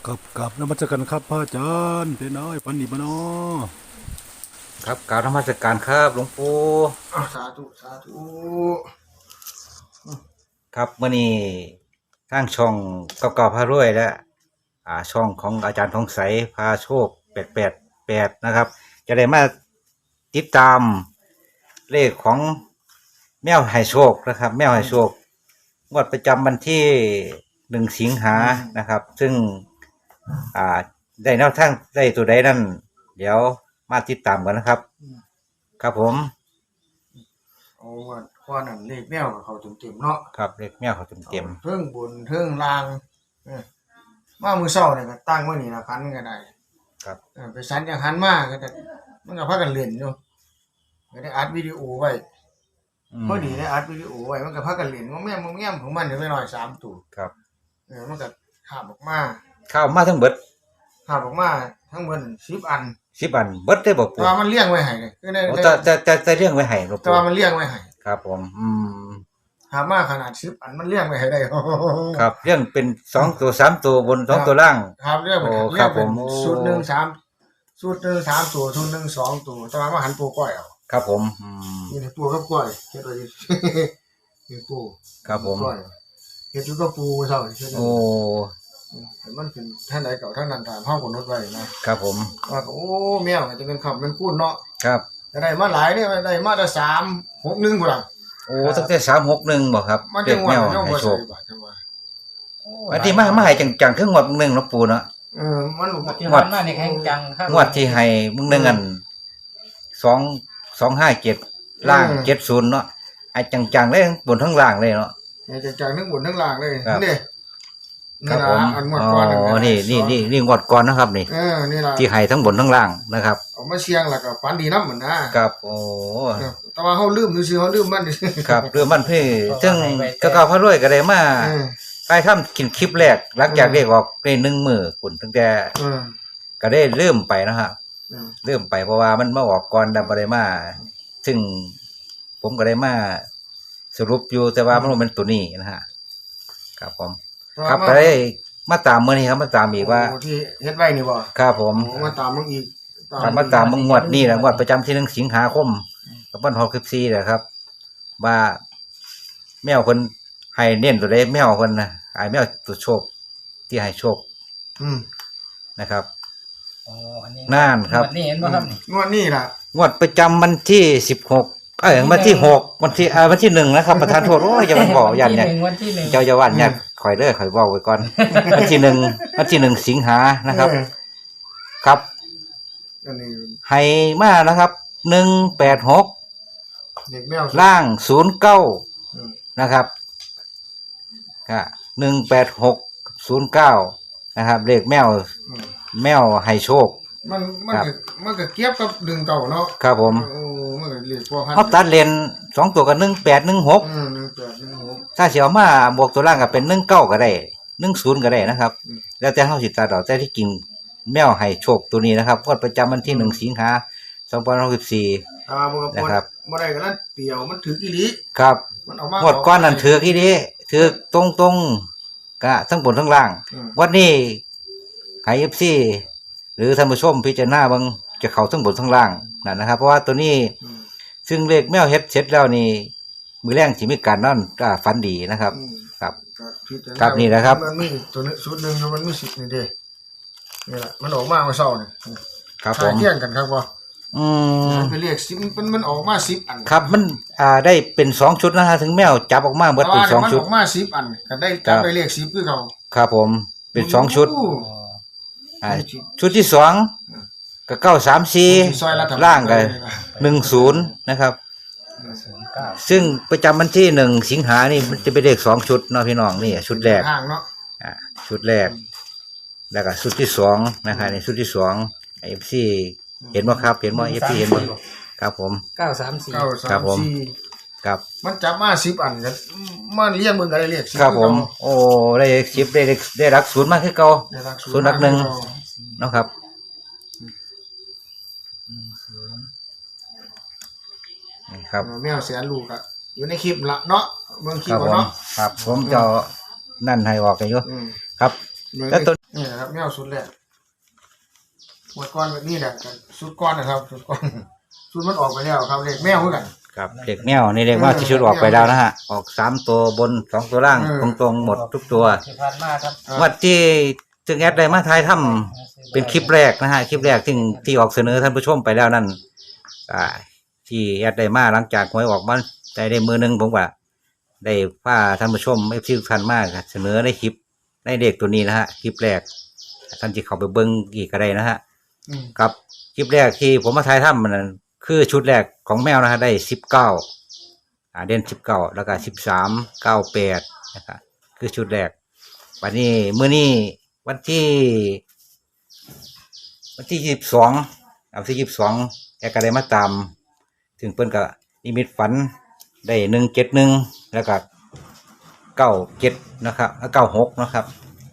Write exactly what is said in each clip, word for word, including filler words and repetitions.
กับกับนมัสการครับพระอาจารย์เป็นน้อยปันดีบเนาะครับกล่าวนมัสการครับหลวงปู่อ้าวสาธุสาธุครับเมื่อนี้ทางช่องเก่าๆพารวยและอ่าช่องของอาจารย์ทองใสพาโชคแปดแปดแปดนะครับ จะได้มาติดตามเลขของแมวให้โชคนะครับ แมวให้โชคงวดประจำวันที่หนึ่งสิงหานะครับ ซึ่งอ่าได้แนวทางได้ตัวใดนั่นเดี๋ยวมาติดตามกันนะครับ ครับผมเอาว่าข้อนั้นเลขแมวกับเขาเต็มๆเนาะครับเลขแมวเขาเต็มเต็มเทิงบนเทิงล่างเออมามือเช้าเนี่ยก็ตั้งไว้นี่ละพันก็ได้ครับเออไปสันจังหันมาก็จะมันก็พากันเล่นอยู่ก็ได้อัดวิดีโอไว้มพอดีได้อัดวิดีโอไว้มันก็พากันเล่นว่าแม่มึงแง่มของมันเดี๋ยวไปหน่อยสามตัวครับเออมันก็ขาบออกมาข้าวมาทั้งเบิดขาบออกมาทั้งเบิดสิบอันสิบอันเบิดได้บอกแต่ปู่ว่ามันเลี้ยงไว้ให้เลยคือได้โอ้แต่แต่แต่แต่เรื่องไว้ให้หลวงแต่ปู่ว่ามันเลี้ยงไว้ให้ครับผม อืมขาบมาขนาดสิบอันมันเลี้ยงไว้ให้ได้ครับเรื่องเป็นสองตัวสามตัวบนสองตัวล่างครับเรื่องเป็นโอ้เรื่องเป็นครับผมสูตรหนึ่งสามสูตรหนึ่งสามตัวสูตรหนึ่งสองตัวแต่ว่ามาหันปูก้อยเอาครับผมอืมนี่ในปูกับก้อยเฮ็ดไว้ดินี่ปูครับผมก้อยเฮ็ดอยู่กับปูเท่านี้เฮ็ดโอ้เห็นมันเป็นท่านใดเก่าท่านนั้นถามเฮาก็นดไว้นะครับผมว่าโอ้แมวก็จะเป็นคำเป็นคูณเนาะครับแต่ได้มาหลายเนี่ยได้มาแต่สามหกหนึ่งพุ่นล่ะโอ้ตั้งแต่สามหกหนึ่งบอกครับมันเด็จักงหวะแมวมันจังให้บ่โชใส่คบาทจังหวะอันที่มามาให้จังๆคืองวดมึงหนึ่งเนาะปู่เนาะเออมันที่ผ่านมานี่แข่งจังครับงวดที่ให้มึงหนึ่งอันสองสองห้าเจ็ดล่างเจ็ดศูนย์เนาะไอ้จังๆเลยบนทั้งล่างเลยเนาะเนี่ยจะจากทั้งบนทั้งล่างเลยครับนี่ครันี่บผมล่ะอันหมดอ๋ก่อนนั่นอนี่นี่นี่นี่งวดก่อนนะครับนี่เออนี่ล่ะที่ให้ทั้งบนทั้งล่างนะครับเอามาเชียงแล้วก็ฝันดีนำเหมือนนะครับโอ้แต่ว่าเฮาลืมซื่อๆเฮาลืมมันครับเรื่องมันเพื่อซึ่งก็เก่าพระรวยก็ได้มาเออไปทำกินคลิปแรกหลังจากเรียกออกได้หนึ่งมือคุณตั้งแต่เออก็ได้เริ่มไปนะฮะเออเริ่มไปเพราะว่ามันมาออกก่อนดับได้มา ซึ่งผมก็ได้มาสรุปอยู่แต่ว่ามันบ่เป็นตัวนี้นะฮะครับผม ครับก็ได้มาตามมื้อนี้ครับมาตามอีกว่าโอ้ที่เฮ็ดไว้นี่บ่ครับผมโอ้มาตามมึงอีกตามมาตามมึงงวดนี้แหละงวดประจำที่หนึ่งสิงหาคมกับวันหกสิบสี่แหละครับ ว่าแมวคนให้เน้นตัวใดแมวคนนะไอ้แมวตัวโชคที่ให้โชคอืมนะครับอ๋ออันนี้น่านครับวันนี้เห็นบ่ครับนี่งวดนี้ล่ะงวดประจำวันที่สิบหกเอ้ยวันที่หกวันที่อ่าวันที่หนึ่งนะครับประธานโทษโอ้ยจะมันบอกยันเนี่ยวันที่หนึ่งเจ้าจะวันเนี่ยคอยเด้อคอยบอกไว้ก่อน วันที่หนึ่งวันที่หนึ่งสิงหานะครับเออครับอันนี้ให้มานะครับหนึ่งแปดหกเด็กแมวล่างศูนย์เก้าอืมนะครับก็หนึ่งแปดหกศูนย์เก้านะครับเลขแมวอืมแมวให้โชคมันมันครับก็มันก็เก็บกับดึงเก่าเนาะครับผมโอ้มันก็เรียกพวกพันเขาตัดเลนสองตัวกับหนึ่งแปดหนึ่งหกอืมหนึ่งแปดหนึ่งหกถ้าเสียวมาบวกตัวล่างก็เป็นหนึ่งเก้าก็ได้หนึ่งศูนย์ก็ได้นะครับอืมแล้วแต่เฮาสิตัดดอกแต่ที่จริงแมวให้โชคตัวนี้นะครับงวดประจำวันที่หนึ่งสิงหาสองพันหกสิบสี่อ่าบ่ก็นะครับบ่ได้ก็นั้นเตียวมันถืออีหลีครับมันเอามางวดก้อนนั่นถือกี่ดีถือตรงตรงๆกะทั้งบนทั้งล่างอืมวันนี้ไฮเอฟซีหรือท่านผู้ชมพิจารณาเบางจะเข้าทั้งบนทั้งล่างนั่นนะครับ เพราะว่าตัวนี้อืมซึ่งเลขแมวเฮ็ดเสร็จแล้วนี่มือแรงสิมีการนอนก็ฝันดีนะครับอืมครับก็พิจาณาครับนี่นะครับมันมีตัวนี้ชุดหนึงมันมีสิบนี่เด้นี่ล่ะมันออกมาเมื่อเช้านี่ครับผขายมเที่ยงกันครับบ่อืมมันไปเรียกสิบมันมันออกมาสิบอันครับมันอ่าได้เป็นสองชุดนะฮะถึงแมวจับออกมาเบิดแต่เป็นว่าสองมันชุอดอกมาสิบอันก็ได้ครัจับบ ได้เรียกสิบคือเขาครับผมเป็นสองชุดโอ้อ๋ออ่าชุดที่สองก็เก้าสามสี่ซอยรัฐบาลล่างกันหนึ่งศูนย์นะครับศูนย์เก้าซึ่งประจำวันที่หนึ่งสิงหานี่มันจะเป็นเลขสองชุดเนาะพี่น้องนี่ชุดแรกห่างเนาะอ่าชุดแรก แล้วก็ชุดที่สองนะครับในชุดที่สองเอฟซีเห็นบ่ครับ เห็นบ่เอฟซีเห็นบ่ครับผมเก้าสามสี่เก้าครัสาบมผมสี่ครับมันจับมาสิบอันกันมันเลี้ยงมึงก็ได้เรียกสิบครับผมคือโอ้ได้สิบได้เลขได้รักศูนย์มากขึ้นเก่าเก่าได้รักศูนย์รักหนึ่ง เนาะครับ นี่ครับเออแมวแสนลูกอะอยู่ในคลิปละเนาะเบิ่งคลิคปรับผมเอาเนาะครับ ผมจะเอานั่นให้ออกกันอยู่อืมครับแล้วตัวนี่นะครับแมวสุดแรกหมดก้อนแบบนี้แหละสุดก้อนนะครับสุดก้อนสุดมันออกไปแล้วครับเลขแมวเหมือนกันครับเด็กแมวนี่เรียกว่าที่ชุดออกไปแล้วนะฮะออกสามตัวบนสองตัวล่างเออตรงๆหมดทุกตัวที่ผ่านมาครับวัดที่จึงแอดได้มาทายถ้ำเป็นคลิปแรกนะฮะคลิปแรกที่ที่ออกเสนอท่านผู้ชมไปแล้วนั่นอ่าที่แอดได้มาหลังจากหวยออกมาได้ได้มือหนึงผมว่าได้พาท่านผู้ชมไม่ที่ทุกท่านมากเสนอในคลิปในเด็กตัวนี้นะฮะคลิปแรกท่านที่เข้าไปเบิ้งอีกก็ได้นะฮะอืมกับคลิปแรกที่ผมมาทายถ้ำมันนั้นคือชุดแรกของแมวนะฮะได้สิบเก้าอ่าเด่นสิบเก้าแล้วก็สิบสามเก้าแปดนะครับคือชุดแรกวันนี้มื้อนี้วันที่วันที่ยี่สิบสองเอาที่ยี่สิบสองแกก็ได้มาตาม ถึงเพิ่นก็นิมิตฝันได้หนึ่งเจ็ดหนึ่งแล้วก็เก้าเจ็ดนะครับแล้วเก้าหกนะครับ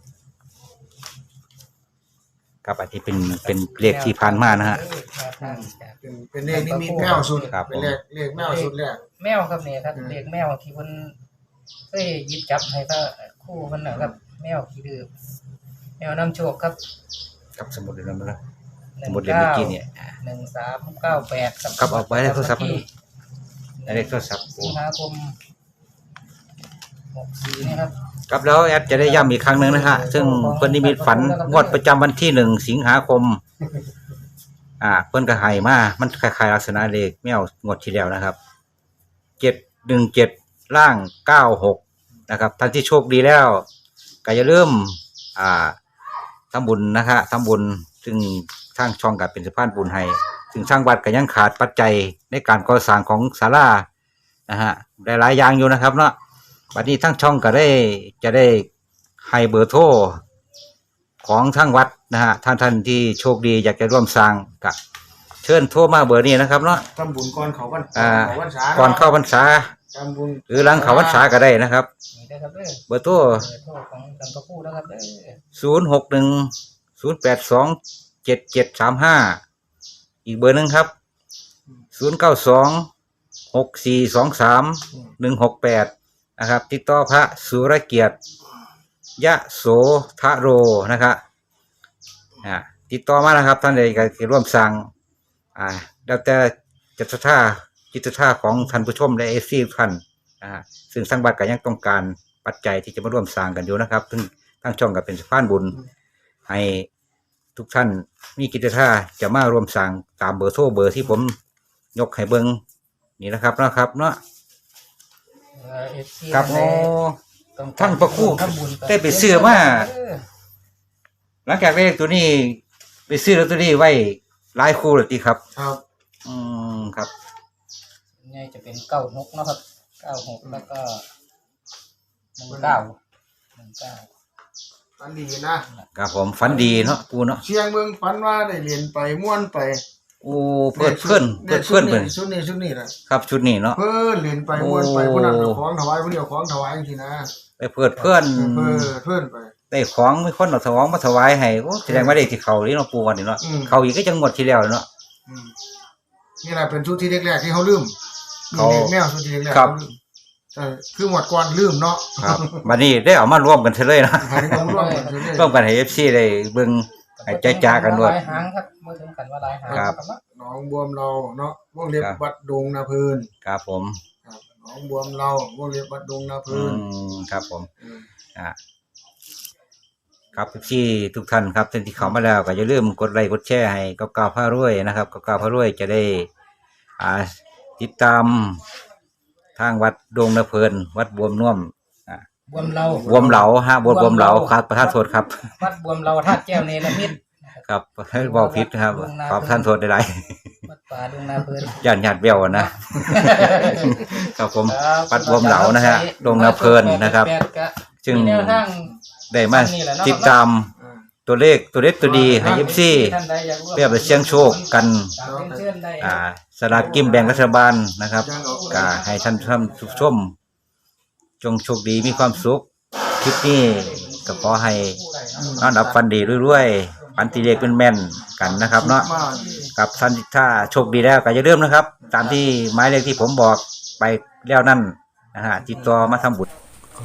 กับอันที่เป็นเป็นเลขที่ผ่านมานะฮะเป็นเป็นเลขนี้มีแมวสุดครับเป็นเลขเลขแมวสุดแรกแมวครับเนี่ยครับอืมเด็กแมวที่มันเคยหยิบจับให้ก็คู่มันนะครับแมวขี้ดื้อแมวนำโชคครับกับสมุดเล่มนั้นนะหสนึ่งมุดเล่มเก้าเมื่อกี้เนี่ยหนึ่งสามเก้าแปดครับครับเอาไว้ในโทรศัพท์ที่ในเลขโทรศัพท์สิงหาคมหกสี่นี่ครับครับแล้วแอดจะได้ย้ำอีกครั้งหนึ่งนะฮะซึ่งเพิ่นนิมิตฝันงวดประจำวันที่หนึ่งสิงหาคม อ่าเพิ่นก็ให้มามันคล้ายๆลักษณะเลขแมวงวดที่แล้วนะครับเจ็ดหนึ่งเจ็ดล่างเก้าหกนะครับท่านที่โชคดีแล้วก็อย่าลืมอ่าทำบุญนะฮะทำบุญซึ่งทางช่องกับเป็นสะพานบุญให้ซึ่งทางวัดก็ยังขาดปัจจัยในการก่อสร้างของศาลานะฮะได้หลายอย่างอยู่นะครับเนาะบัดนี้ทั้งช่องก็ได้จะได้ให้เบอร์โทรของทางวัดนะฮะท่านท่านที่โชคดีอยากจะร่วมสร้างก็เชิญโทรมาเบอร์นี้นะครับเนาะทำบุญก่อนเขาวันอ่าเขาวันษาก่อนเข้าพรรษาทำบุญหรือหลังเข้าพรรษาก็ได้นะครับนี่ได้อครับเด้อเบอร์โทรเบอร์โทรของสังกะพูนะครับเด้อศูนย์หกหนึ่งศูนย์แปดสองเจ็ดเจ็ดสามห้าอีกเบอร์หนึ่งครับศูนย์เก้าสองหกสี่สองสามหนึ่งหกแปดนะครับติดต่อพระสุรเกียรติยะโสทะโรนะครับอ่าติดต่อมานะครับท่านใดก็ร่วมสั่งอ่าแล้วแต่จิตศรัทธาจิตศรัทธาของท่านผู้ชมและเอฟซีทุกท่านอ่าซึ่งสร้างบัตรก็ยังต้องการปัจจัยที่จะมาร่วมสร้างกันอยู่นะครับซึ่งทั้งช่องก็เป็นสะพานบุญให้ทุกท่านมีกิจท่าจะมาร่วมสร้างตามเบอร์โทรเบอร์ที่ผมยกให้เบิ้งนี่นะครับนะครับเนาะเอ่อ เอฟ ซีครับโอ้ต้องการทั้งพระครูทำบุญได้ไปซื้อมาเออหลังจากเลขตัวนี้ไปซื้อลอตเตอรี่ไว้หลายคู่เลยทีครับครับอืมครับนี่จะเป็นเก้าหกเนาะครับเก้าหกแล้วก็หนึ่งเก้าหนึ่งเก้าฝันดีนะครับผมฝันดีเนาะปูเนาะเชียงเมืองฝันว่าได้เรียนไปม่วนไปโอ้เพื่อนเพื่อนเพื่อนเพื่อนเพื่อนชุดนี้ชุดนี้นะครับชุดนี้เนาะเพิ่นเรียนไปม่วนไปโอ้ผู้นั้นเอาของถวายผู้เดียวของถวายจริงๆนะได้เพื่อนเพื่อนเพิ่นเพิ่นไปได้ของมีคนเอาถวายมาถวายให้โอ้แสดงว่าได้ที่เขาที่เนาะปูวันนี้เนาะอืมเขาอีกก็จังหวดที่แล้วเนาะอืมนี่แหละเป็นชุดที่แรกๆที่เขาลืมมีเขาเลขแมวชุดที่แรกๆครับเขาลืมแต่คือหมดก่อนลืมเนาะครับวันนี้ได้เอามารวมกันเฉลยนะหายต้องร่วมกันเรื่อยร่วมกันให้ เอฟ ซี ได้เบิ่งให้ใจจ้ากันด้วยหลายหางครับเมื่อถึงกันว่าหลายหางครับเนาะๆหน้องบวมเราเนาะวงเล็บครับวัดดงนาเพลินครับผมครับหน้องบวมเราวงเล็บวัดดงนาเพอืลินมครับผมอืมอ่าครับที่ทุกท่านครับท่านที่เข้ามาแล้วก็อย่าลืมกดไลค์กดแชร์ให้ก้าวก้าวพารวยนะครับก้าวก้าวพารวยจะได้อ่าติดตามทางวัดดงนาเพลินวัดบวมน่วมอ่าบวมเราบวมเหลาฮะบวมบวมเหลาครับประธานโทษครับวัดบวมเราท่าตุแก้วเนรมิตครับให้บอกผิดนะครับขอประทานโทษได้หลายวัดป่าดงนาเพลินย่านญาติเบี้ยวนะ ครับผมครับวัดบวมเหลานะฮะดงนาเพลินนะครับแปดก็ซึ่งมีแนวทางได้มาติดตามอ่าตัวเลขตัวเล็กตัวดีให้ยิปซี่ท่านใดอยากร่วมเพื่อไปเสี่ยงโชคกันตามเชิญได้อ่าสลากกินแบ่งรัฐบาลนะครับก็ให้ท่านท่านทุกชม จงโชคดีมีความสุขคลิปนี้ก็ขอให้นอนหลับฝันดีเรื่อยๆฝันตีเลขเป็นแม่นกันนะครับเนาะมากกับท่านถ้าโชคดีแล้วก็อย่าลืมนะครับ ตามที่หมายเลขที่ผมบอกไปแล้วนั่นนะฮะติดต่อมาทำบุญครับค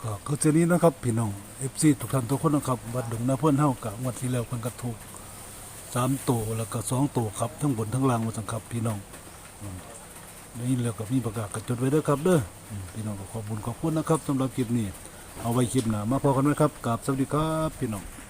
ก็คือเช่นนี้นะครับพี่น้อง เอฟ ซี ทุกท่านทุกคนนะครับวัดดงนาเพิ่นเฮากะงวดที่แล้วเพิ่นก็ถูกสามตัวแล้วก็สองตัวครับทั้งบนทั้งล่างว่าซั่นครับพี่น้องอืมนี่แล้วก็มีประกาศก็จดไว้เด้อครับเด้ออืมพี่น้องก็ขอบคุณขอบคุณนะครับสำหรับคลิปนี้เอาไว้คลิปหน้ามาพอกันไว้ครับกราบสวัสดีครับพี่น้อง